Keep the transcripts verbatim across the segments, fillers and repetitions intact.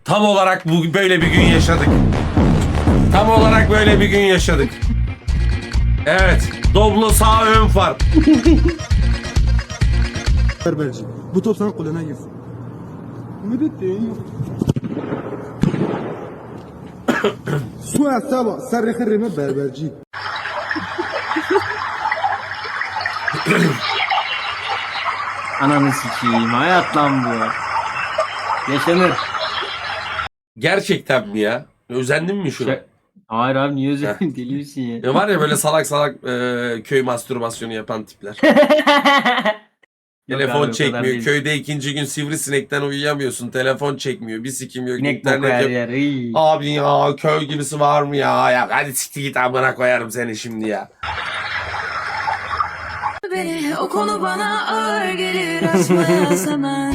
Tam olarak bu böyle bir gün yaşadık. Tam olarak böyle bir gün yaşadık. Evet. Doblo sağ ön far. Berberci. Bu top sana kulağına girsin. Müdettin. Su asaba sarı kırımı berberci. Ananı sikeyim. Hayat lan bu. Yaşanır. Gerçekten mi ya? Özendin mi şuna? Şey- Hayır abi niye özledin? Deli misin ya? Ya var ya böyle salak salak e, köy mastürbasyonu yapan tipler. Yok Telefon abi, o kadar çekmiyor. değil. Köyde ikinci gün sivrisinekten uyuyamıyorsun. Telefon çekmiyor. Bir sikim yok. İnek boku İnternet her yok. yer. İyi. Abi ya köy gibisi var mı ya? Ya hadi siktir git amına koyarım seni şimdi ya. Beni o konu bana ağır gelir açmaya zaman.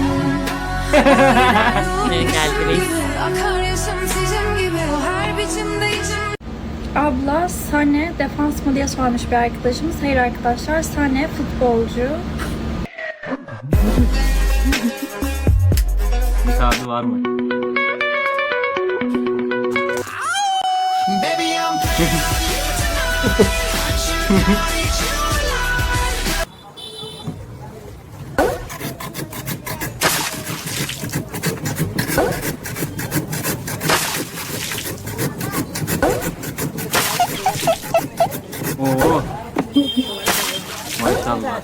Akar yaşım sizin gibi o her biçimde içim. Abla Sane defans mı diye sormuş bir arkadaşımız. Hayır arkadaşlar, Sane futbolcu. Müsaade var mı? Oo. Maşallah.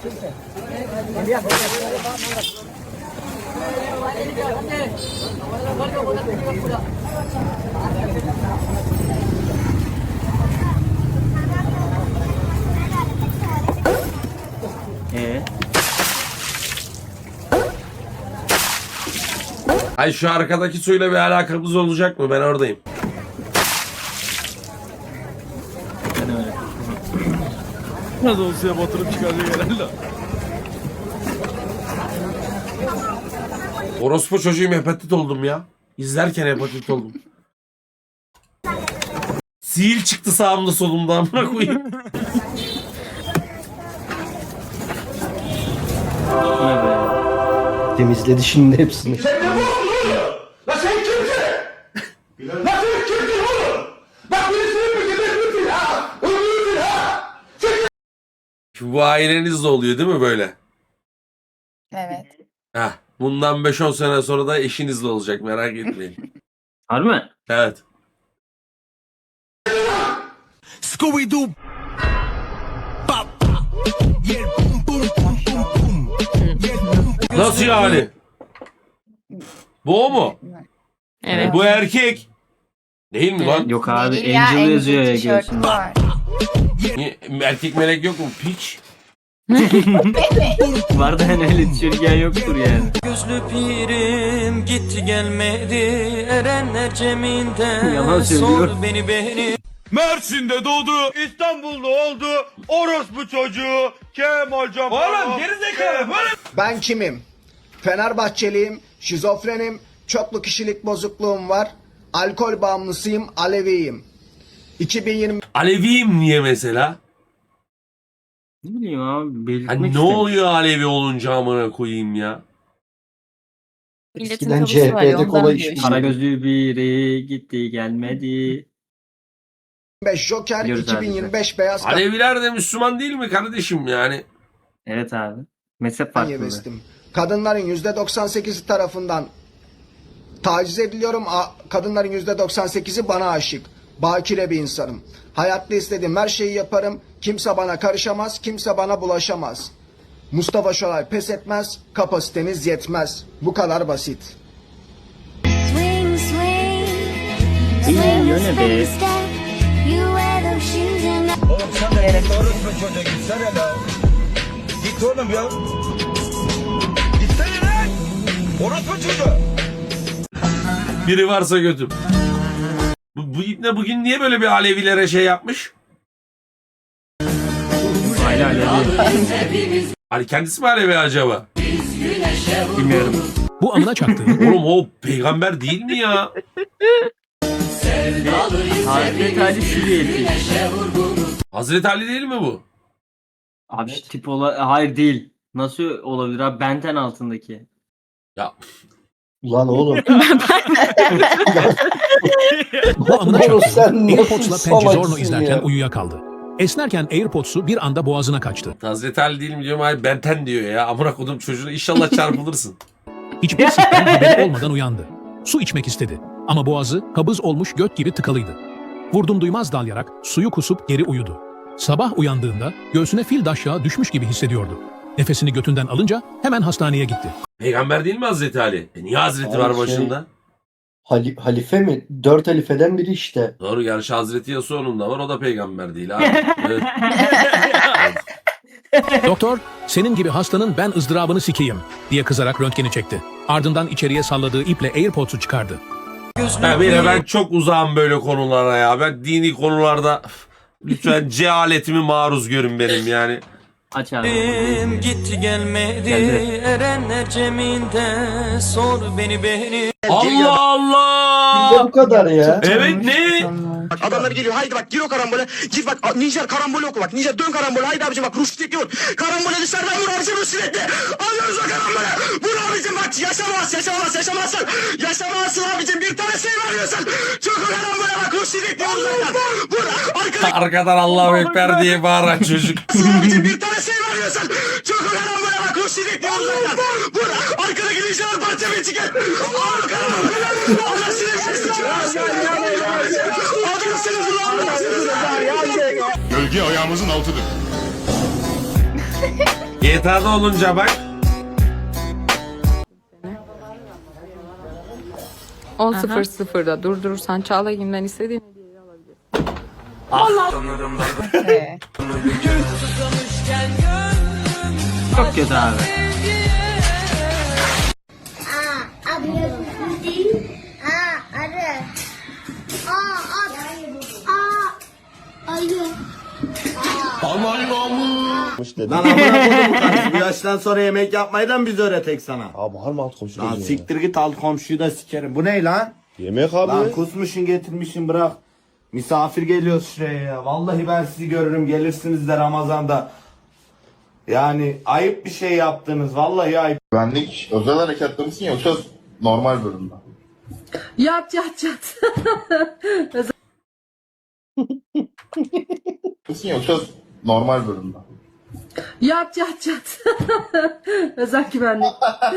Ee, Ay şu arkadaki suyla bir alakamız olacak mı? Ben oradayım. ben öyle. Nasıl olsa ya batırıp çıkaracak herhalde. Orospu çocuğum hepatit oldum ya. İzlerken hepatit oldum. Sihir çıktı sağımda solumda amına koyayım. Bu ne be? Temizledi şimdi hepsini. Bu ailenizde oluyor değil mi böyle? Evet. Heh. Bundan beş on sene sonra da eşinizle olacak merak etmeyin. Harbi mi? Evet. Scooby-Doo. Nasıl yani? Bu o mu? Evet. Bu erkek. Değil mi lan? Yok abi Değil ya, Angel yazıyor ya tişörtü göğsünde. var. Niye- Erkek melek yok mu? Piç. Var da hani öyle tişört giyen yoktur yani. Gözlü pirim gitti gelmedi erenler ceminden Yalan söylüyor. sor beni beni. Mersin'de doğdu, İstanbul'da oldu, orospu çocuğu, Kemal Can. Oğlum gerizekalı böyle. Ben kimim? Fenerbahçeliyim, şizofrenim, çoklu kişilik bozukluğum var, alkol bağımlısıyım, Aleviyim. iki bin yirmi Aleviyim niye mesela? Ne bileyim abi belirtmek Hani ne istemiş. oluyor Alevi olunca amına koyayım ya? Eskiden C H P'de kola içmiş. Kara gözlü biri gitti gelmedi. beş Joker, Biliyoruz abi. iki bin yirmi beş Beyaz Aleviler de Müslüman değil mi kardeşim yani? Evet abi. Mezhep Kampanya farklı. bestim. Kadınların yüzde doksan sekizi tarafından taciz ediliyorum. A- Kadınların yüzde doksan sekizi bana aşık. Bakire bir insanım. Hayatta istediğim her şeyi yaparım. Kimse bana karışamaz, kimse bana bulaşamaz. Mustafa Şoray pes etmez, kapasiteniz yetmez. Bu kadar basit. Swing, swing. İyi yöne be. You wear those shoes and Oğlum sen de git orospu çocuğa gitsene lan. Git oğlum ya. Gitsene lan. Orospu çocuğa. Biri varsa götüm. Bu, bu ibne bugün niye böyle bir Alevilere şey yapmış? Hala Alevi. Hani kendisi mi Alevi acaba? Bilmiyorum. Bu amına çaktı. Oğlum o peygamber değil mi ya? Hazreti Ali Süriyeti. Hazreti Ali değil mi bu? Abi şu tip ola... Hayır değil. Nasıl olabilir abi? Benten altındaki. Ya Lan oğlum. Bu amına Boros, çarptı. sen ne AirPods'la salaksın Pençezorno izlerken ya. uyuyakaldı. Esnerken AirPods'u bir anda boğazına kaçtı. Hazreti Ali değil mi diyorum, ay Benten diyor ya. Amına kodum çocuğuna, inşallah çarpılırsın. Hiçbir sikten haberi olmadan uyandı. Su içmek istedi. Ama boğazı kabız olmuş göt gibi tıkalıydı. Vurdum duymaz dalyarak suyu kusup geri uyudu. Sabah uyandığında göğsüne fil daşyağı düşmüş gibi hissediyordu. Nefesini götünden alınca hemen hastaneye gitti. Peygamber değil mi Hazreti Ali? E niye Hazreti Abi var şey- başında? Hali, halife mi? Dört halifeden biri işte. Doğru, gerçi Hazreti Yasuo'nun da var, o da peygamber değil abi. Evet. Doktor, senin gibi hastanın ben ızdırabını sikeyim diye kızarak röntgeni çekti. Ardından içeriye salladığı iple AirPods'u çıkardı. Ya bir de ben çok uzağım böyle konulara ya. Ben dini konularda lütfen cehaletimi maruz görün benim yani. Aç abi. Erim gitti gelmedi Geldi. erenler ceminde sor beni beni. Allah Bir de Allah! bu kadar ya. Evet ne? Adamlar geliyor, haydi bak gir o karambole. Gir bak Nijer karambole oku bak. Nijer dön karambole, haydi abicim bak Rustik yok. Karambole dışarıdan vur abicim Rustik'le. Alıyoruz o karambole. Vur abicim bak, yaşamaz yaşamaz yaşamazsın. Yaşamazsın abicim, bir tane şey veriyorsun. Çok o karambole bak Rustik diyoruz zaten. Vur arkada. Arkadan Allahu Ekber diye bağıran çocuk. Abicim bir tane şey veriyorsun. Çok o karambole bak Rustik diyoruz zaten. Vur arkadaki Nijer parça bir çıkar. Al karambole. Allah seni sesini Gölge ayağımızın altıdır. G T A'da olunca bak. on sıfır sıfırda durdurursan Çağlayan'dan istediğin Çok kötü abi. Lan amına koydum bu karısı. Bu yaştan sonra yemek yapmayı da mı biz öğretek sana? Abi harbi alt komşu. Lan siktir git, alt komşuyu da sikerim. Bu ne lan? Yemek abi. Lan kusmuşsun getirmişsin, bırak. Misafir geliyor şuraya ya. Vallahi ben sizi görürüm, gelirsiniz de Ramazan'da. Yani ayıp bir şey yaptınız. Vallahi ayıp. Güvenlik özel harekatlı mısın yoksa normal bölümde? Yat yat yat. Mısın yoksa normal bölümde? Yat yat yat. Özel güvenlik.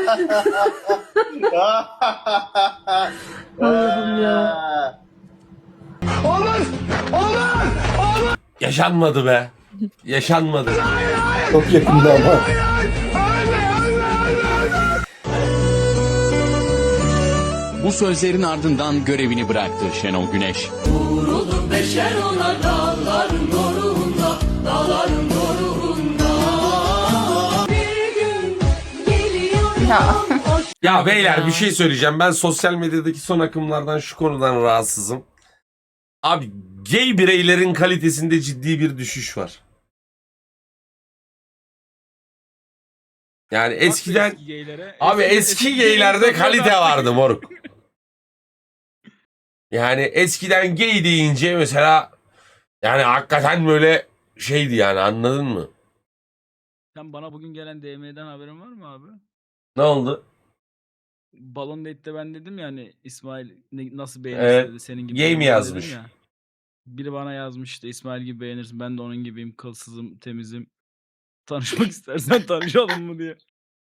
Allah'ım ya. Yaşanmadı be. Yaşanmadı. Çok yakında ama. Bu sözlerin ardından görevini bıraktı Şenol Güneş. Ya. Ya beyler bir şey söyleyeceğim. Ben sosyal medyadaki son akımlardan şu konudan rahatsızım. Abi gay bireylerin kalitesinde ciddi bir düşüş var. Yani eskiden abi eski gaylerde kalite vardı moruk. Yani eskiden gay deyince mesela yani hakikaten böyle şeydi yani, anladın mı? Sen bana bugün gelen D M'den haberin var mı abi? Ne oldu? Balon Date'de ben dedim ya hani İsmail ne- nasıl Evet. beğenirsin dedi, senin gibi. Gay mi beğenirsin yazmış? dedim ya. Biri bana yazmıştı, İsmail gibi beğenirsin, ben de onun gibiyim, kılsızım, temizim. Tanışmak istersen tanışalım mı diye.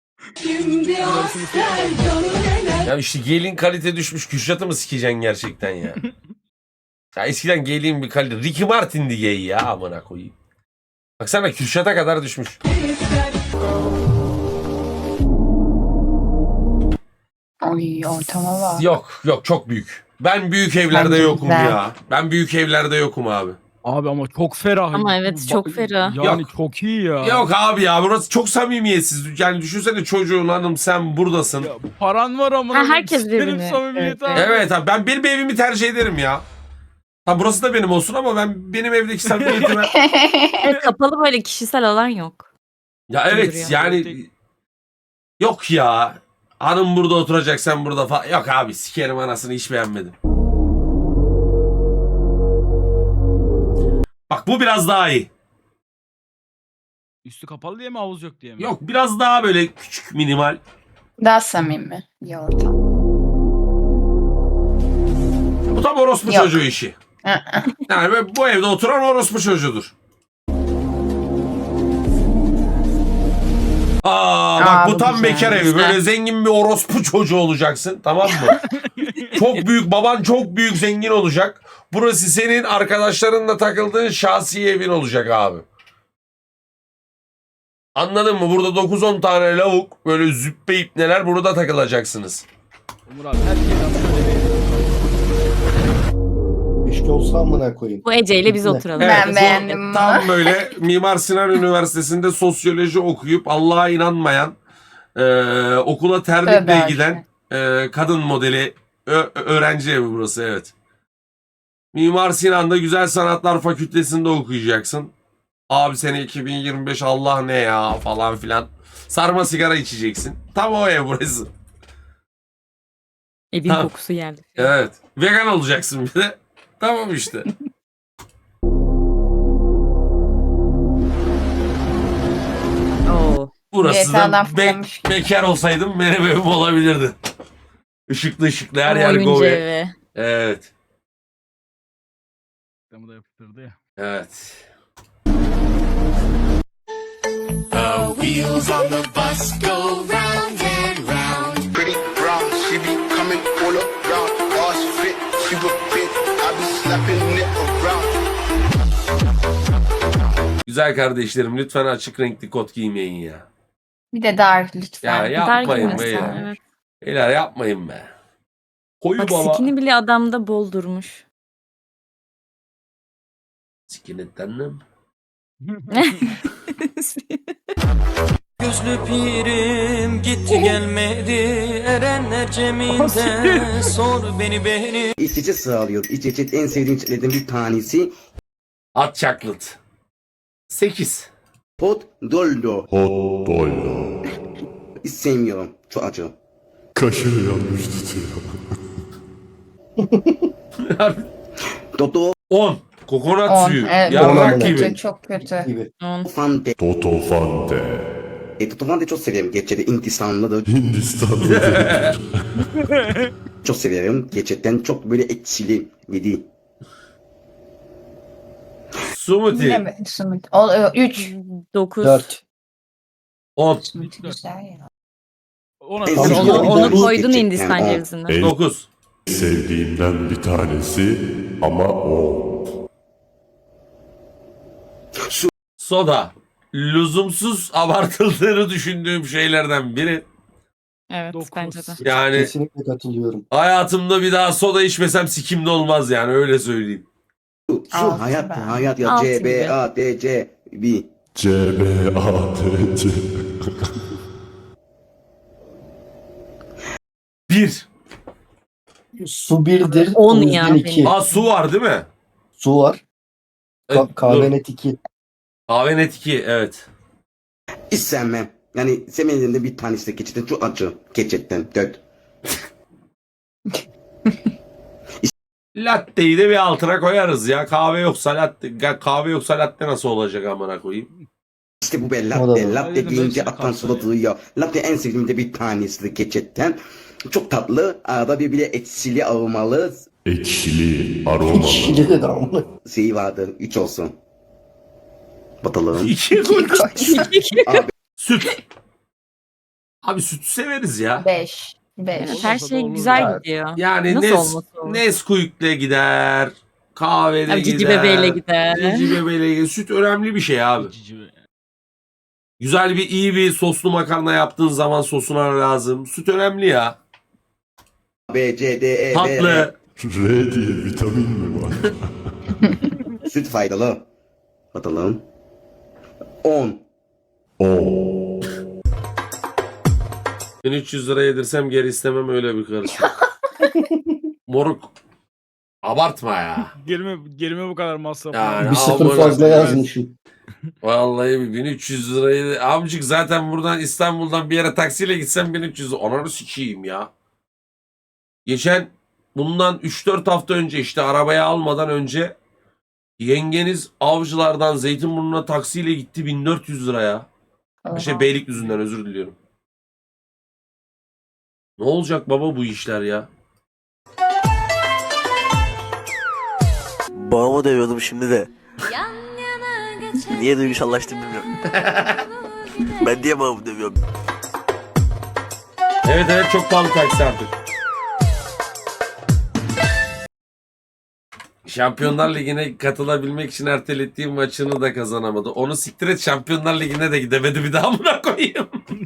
Ya işte gayliğin kalite düşmüş. Kürşat'ı mı sikeceksin gerçekten ya? Ya eskiden gayliğin bir kalite. Ricky Martin'di gay ya, amına koyayım. Baksana Kürşat'a kadar düşmüş. Oy ortama bak. Yok yok, çok büyük. Ben büyük evlerde Bence yokum güzel. ya. Ben büyük evlerde yokum abi. Abi ama çok ferah. Ama evet, çok Ba- ferah. Yani Yok. çok iyi ya. Yok abi ya, burası çok samimiyetsiz. Yani düşünsene çocuğun, hanım sen buradasın. Ya paran var ama. Ha, herkes birbirini. Samimiyeti Evet, abi. Evet abi, ben benim evimi tercih ederim ya. Ha burası da benim olsun ama ben benim evdeki samimiyetime... Evet, kapalı böyle kişisel alan yok. Ya evet Duruyor. yani... Yok ya. Hanım burada oturacak, sen burada falan. Yok abi, sikerim anasını, hiç beğenmedim. Bak bu biraz daha iyi. Üstü kapalı diye mi, havuz yok diye mi? Yok, biraz daha böyle küçük, minimal. Daha samimi bir ortam. Bu tam orospu çocuğu işi. Yani bu evde oturan orospu çocuğudur. Aa bak Aa, bu bu tam güzel, bekar evi. güzel. Böyle zengin bir orospu çocuğu olacaksın, tamam mı? Çok büyük, baban çok büyük zengin olacak. Burası senin arkadaşlarınla takıldığın şahsi evin olacak abi. Anladın mı? Burada dokuz on tane lavuk, böyle züppe ipneler, burada takılacaksınız. Umur abi her şeyden böyle bir... İşte olsa amına koyayım. Bu Ece ile biz Ne? oturalım. Evet, Ben bu beğendim. Tam böyle Mimar Sinan Üniversitesi'nde sosyoloji okuyup Allah'a inanmayan, e, okula terlikle Tövbe giden e, kadın modeli ö- öğrenci evi burası, evet. Mimar Sinan'da Güzel Sanatlar Fakültesi'nde okuyacaksın. Abi sene iki bin yirmi beş Allah ne ya falan filan. Sarma sigara içeceksin. Tam o ev burası. Evin Tamam. kokusu geldi. Evet. Vegan olacaksın bir de. Tamam işte. Oo. Burası da be- bekar olsaydım benim evim olabilirdi. Işıklı ışıklı her yer Oyuncu gobe. evi. Evet. Reklamı da yaptırdı ya. Evet. Pretty brown, she be coming all around. Ass fit, she would fit. I be slapping it around. Güzel kardeşlerim, lütfen açık renkli kot giymeyin ya. Bir de dar lütfen. Ya Dar yapmayın be giymesen, ya. evet. Beyler yapmayın be. Koyu Bak baba. skin'i bile adamda bol durmuş. Skinettendim. Gözlü pirim gitti gelmedi. Erenler ceminde sor beni beni. İç içe sağlıyor. İç içe en sevdiğim içlerden bir tanesi. Hot chocolate. sekiz. Hot doldo. Hot doyla. Hiç sevmiyorum. Çok acı. Kaşığı yanmış tutuyor. Toto on. Kokonat suyu. evet. Yarrak On. gibi. Çok kötü. Gibi. Fante. Toto Fante. E, Toto Fante çok severim. Gerçekten Hindistanlı da Hindistan'da. çok severim. Gerçekten çok böyle ekşili. Yedi. Smoothie. üç. dokuz. Dört. on. Ona En Onu- sevdiğim Onu, onu Gerçekten koydun Hindistan on. cevizinden. En dokuz. sevdiğimden bir tanesi ama o. Soda. Lüzumsuz abartıldığını düşündüğüm şeylerden biri. Evet Dokuz. bence de. Yani Kesinlikle katılıyorum. hayatımda bir daha soda içmesem sikimde olmaz yani, öyle söyleyeyim. Su, su hayat, hayat ya. Altı C, B, gibi. A, D, C, B. C, B, A, T, C. Bir. Su birdir. On o yüzden ya iki. Aa su var değil mi? Su var. E, Ka- kahve dur. net iki. Kahve net iki, evet. Hiç sevmem. Yani sevmediğim de bir tanesi de gerçekten çok acı. Gerçekten. Dört. Latte'yi de bir altına koyarız ya. Kahve yoksa latte, kahve yoksa latte nasıl olacak amına koyayım? İşte bu be O da latte. var. Latte Aynen, deyince hepsini aklan kapsıyor. suda duyuyor. Latte en sevdiğim de bir tanesi de gerçekten. Çok tatlı. Arada bir bile ekşili aromalı Ekşili, aromalı. Kişili de damla. şeyi vardır. Üç olsun. Batalım. İki koy. Abi Süt. Abi sütü severiz ya. beş. beş. Olmasa Her da şey olur güzel ya. gidiyor. Yani Nasıl Nes, olması olur? Nesquik'le gider. Kahvede Abi, gider. Cici bebeğiyle gider. Cici bebeğiyle gider. Süt önemli bir şey abi. Cici- Güzel bir iyi bir soslu makarna yaptığın zaman sosuna lazım. Süt önemli ya. B, C, D, E, B, R. Tatlı. R diye vitamin mi var? Süt faydalı. Batalım. On. O. bin üç yüz lira yedirsem geri istemem, öyle bir karış. Moruk. Abartma ya. Gerime, gerime bu kadar masraf. Yani Bir sıfır amına fazla koyayım. yazmışım. Vallahi bir bin üç yüz lirayı amcık zaten buradan İstanbul'dan bir yere taksiyle gitsem bin üç yüz, ananı sikeyim ya. Geçen bundan üç dört hafta önce, işte arabaya almadan önce, yengeniz Avcılar'dan Zeytinburnu'na taksiyle gitti, bin dört yüz liraya. Şey, Beylikdüzü'nden, özür diliyorum. Ne olacak baba bu işler ya? Babamı dövüyordum şimdi de. Yan yana geçer. Niye duygusallaştım bilmiyorum. Ben niye babamı dövüyorum? Evet evet çok pahalı taksi artık. Şampiyonlar Ligi'ne katılabilmek için ertelettiğim maçını da kazanamadı. Onu siktir et, Şampiyonlar Ligi'ne de gidemedi, bir daha amına koyayım.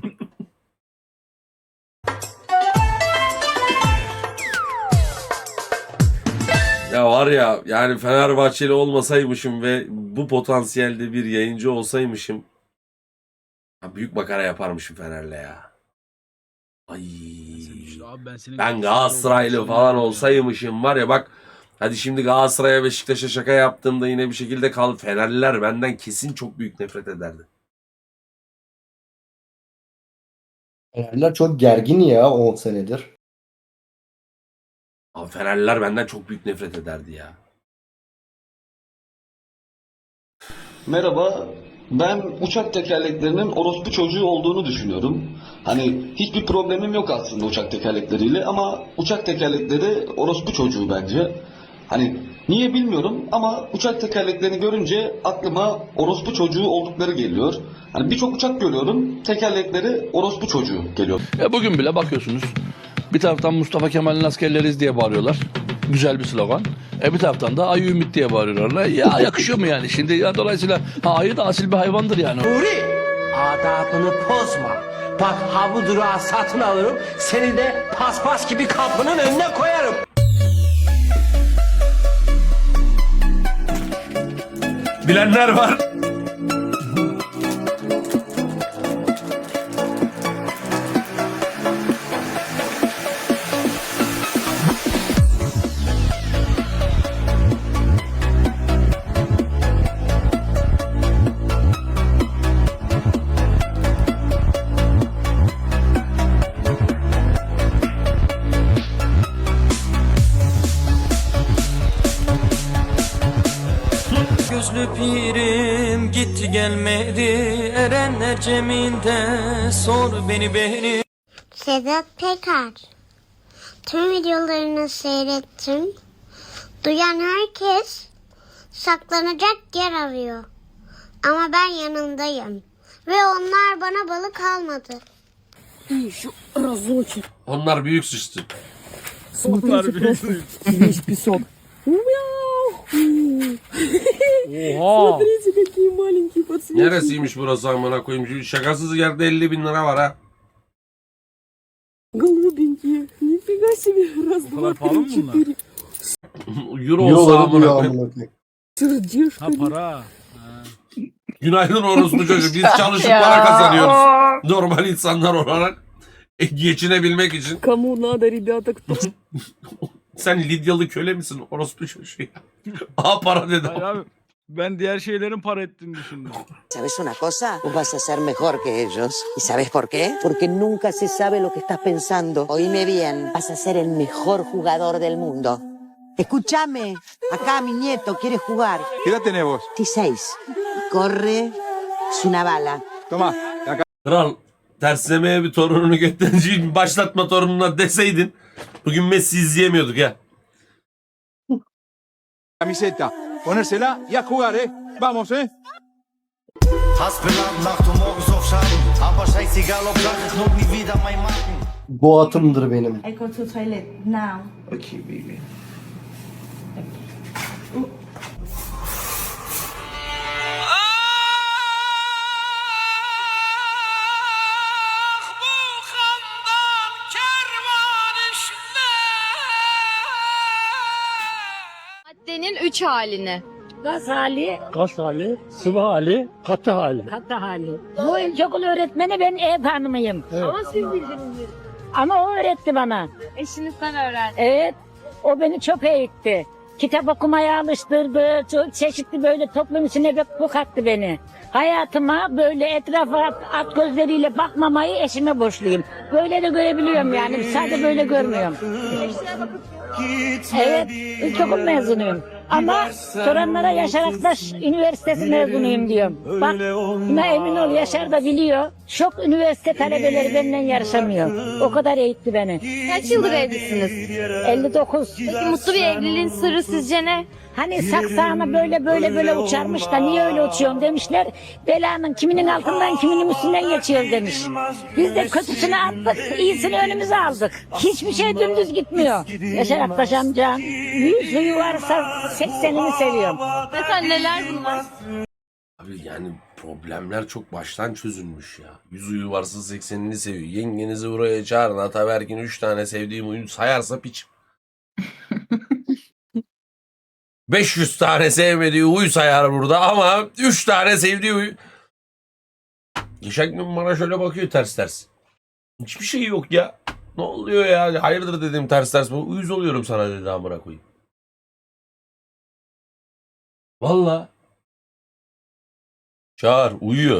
Ya var ya, yani Fenerbahçeli olmasaymışım ve bu potansiyelde bir yayıncı olsaymışım, ya büyük makara yaparmışım Fener'le ya. Ay. Abi ben, senin Ben Galatasaraylı falan olsaymışım var ya bak, hadi şimdi Galatasaray'a Beşiktaş'a şaka yaptığımda yine bir şekilde kal, Fenerliler benden kesin çok büyük nefret ederdi. Fenerler çok gergin ya on senedir. Abi Fenerliler benden çok büyük nefret ederdi ya. Merhaba. Ben uçak tekerleklerinin orospu çocuğu olduğunu düşünüyorum. Hani hiçbir problemim yok aslında uçak tekerlekleriyle ama uçak tekerlekleri orospu çocuğu bence. Hani niye bilmiyorum ama uçak tekerleklerini görünce aklıma orospu çocuğu oldukları geliyor. Hani birçok uçak görüyorum, tekerlekleri orospu çocuğu geliyor. Ya bugün bile bakıyorsunuz. Bir taraftan Mustafa Kemal'in askerleriyiz diye bağırıyorlar. Güzel bir slogan. E bir taraftan da ayı ümit diye bağırıyorlar. Ya yakışıyor mu yani? Şimdi ya dolayısıyla ha, ayı da asil bir hayvandır yani. Nuri! Adabını bozma. Bak ha bu durağı satın alırım. Seni de paspas gibi kapının önüne koyarım. Bilenler var. Gözlü pirim gitti gelmedi. Erenler ceminde sor beni beni. Sedat Peker. Tüm videolarını seyrettim. Duyan herkes saklanacak yer arıyor. Ama ben yanındayım. Ve onlar bana balık almadı. Onlar büyük suçtu. Onlar bir Oha. Neresiymiş burası amına koyayım? Şakasız yerde elli bin lira var ha. Bu kadar pahalı mı bunlar? Euro olsa Euro amına diyor koyayım. amına koyayım. Ha para. Günaydın orospu çocuğu. Biz çalışıp para kazanıyoruz. Normal insanlar olarak e, geçinebilmek için. Kому надо, rебята, кто? Sen Lidyalı köle misin orospu çocuğu ya? Aha para dedi. Hayır abi. Ben diğer şeylerin para ettiğini düşündüm. ¿Sabes una cosa? Vos vas a ser mejor que ellos. ¿Y sabes por qué? Porque nunca se sabe lo que estás pensando. Oíme bien, vas a ser el mejor jugador del mundo. Escúchame, acá mi nieto quiere jugar. ¿Qué edad tenés vos? dieciséis. Corre, es una bala. Toma. Kral terslemeye bir torununu götüreceğin başlatma torununa deseydin bugün Messi izleyemiyorduk ya. Camiseta. Ponérsela y a jugar, eh. Vamos, eh. Bu atımdır benim. I go to toilet now. Okay, baby. Maddenin üç halini. Gaz hali, gaz hali, sıvı hali, katı hali. Katı hali. Bu ilkokul öğretmeni ben ev hanımıyım. Ama siz bildiniz. Ama o öğretti bana. Eşinizden öğrendi. Evet. O beni çok eğitti. Kitap okumaya alıştırdı. Çok çeşitli böyle toplum içine bu kattı beni. Hayatıma böyle etrafa at gözleriyle bakmamayı eşime borçluyum. Böyle de görebiliyorum yani. Sadece böyle görmüyorum. Evet. İlkokul mezunuyum. Ama soranlara Yaşar Aktaş Üniversitesi mezunuyum diyorum. Bak buna emin ol, Yaşar da biliyor. Çok üniversite talebeleri benimle yarışamıyor. O kadar eğitti beni. Kaç yıldır evlisiniz? elli dokuz. Peki mutlu bir evliliğin sırrı sizce ne? Hani saksağını böyle böyle böyle uçarmış da niye öyle uçuyorsun demişler. Belanın kiminin altından kiminin üstünden geçiyor demiş. Biz de kötüsünü attık, iyisini önümüze aldık. Hiçbir şey dümdüz gitmiyor. Yaşar Aktaş amcam yüz huyu varsa seksenini seviyorum. Mesela neler bunlar? Abi yani problemler çok baştan çözülmüş ya. Yüz uyu varsa seksenini seviyor. Yengenizi buraya çağırın. Ataberk'in üç tane sevdiğim oyunu sayarsa piç. beş yüz tane sevmediği huy sayar burada ama üç tane sevdiği huy. Geçen gün bana şöyle bakıyor ters ters. Hiçbir şey yok ya. Ne oluyor ya? Hayırdır dedim ters ters. Uyuz oluyorum sana dedi amına koyayım. Valla. Çağır uyuyor.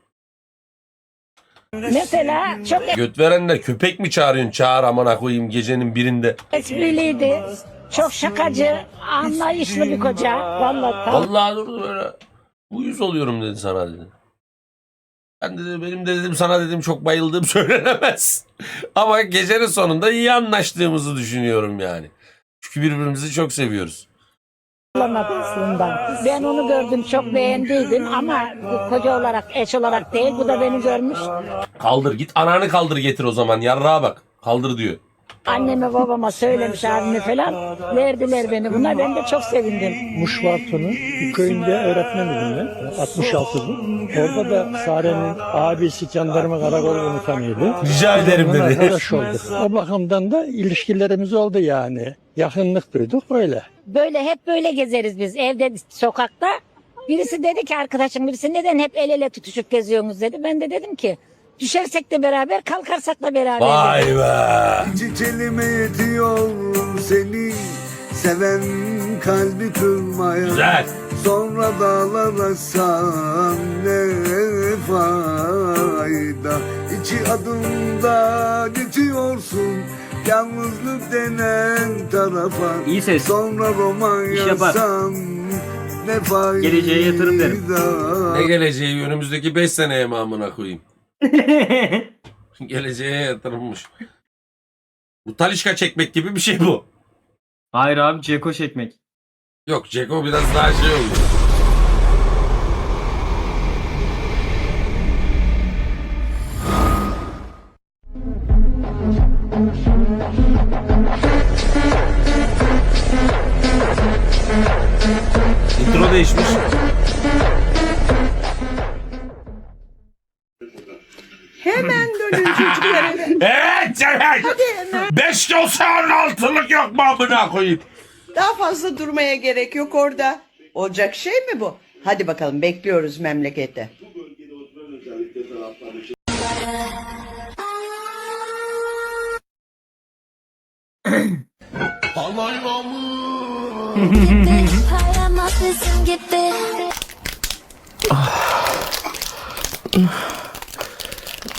Mesela çok Göt verenler köpek mi çağırıyorsun? Çağır amına koyayım gecenin birinde. espriliydi. Çok şakacı, anlayışlı bir koca. Vallahi tam. Vallahi durdu böyle. Uyuz oluyorum dedi sana dedi. Ben de benim de dedim sana dedim çok bayıldığım söylenemez. Ama gecenin sonunda iyi anlaştığımızı düşünüyorum yani. Çünkü birbirimizi çok seviyoruz. Olamadı aslında. Ben onu gördüm, çok beğendiydim ama bu koca olarak, eş olarak değil. Bu da beni görmüş. Kaldır git ananı kaldır getir o zaman yarrağa bak. Kaldır diyor. Anneme babama söylemiş, abime falan. Verdiler beni. Buna ben de çok sevindim. Muşvartı'nın bir köyünde öğretmenim ben. altmış altılı. Orada da Sare'nin abisi jandarma karakol komutanıydı. Rica ederim Ondan dedi. arkadaş olduk. O bakımdan da ilişkilerimiz oldu yani. Yakınlık duyduk öyle. Böyle hep böyle gezeriz biz evde, sokakta. Birisi dedi ki arkadaşım, birisi neden hep el ele tutuşup geziyorsunuz dedi. Ben de dedim ki düşersek de beraber, kalkarsak da beraber. Vay be. İki kelime yetiyor seni seven kalbi kırmaya. Güzel. Sonra dağlar aşsan ne fayda. İki adımda geçiyorsun yalnızlık denen tarafa. İyi ses. Sonra roman İş yapar. yazsam ne fayda. Geleceğe yatırım derim. Ne geleceği önümüzdeki beş seneye mi amına koyayım? Geleceğe yatırılmış. Bu talişka çekmek gibi bir şey bu. Hayır abi, Ceko çekmek. Yok Ceko biraz daha şey oluyor. Intro değişmiş. Hemen dönün çocuklar eve. Evet evet. Hadi hemen. Beş dosyanın altılık yok mu amına koyayım? Daha fazla durmaya gerek yok orada. Olacak şey mi bu? Hadi bakalım, bekliyoruz memlekete. Gitti, hayalmat bizim gitti.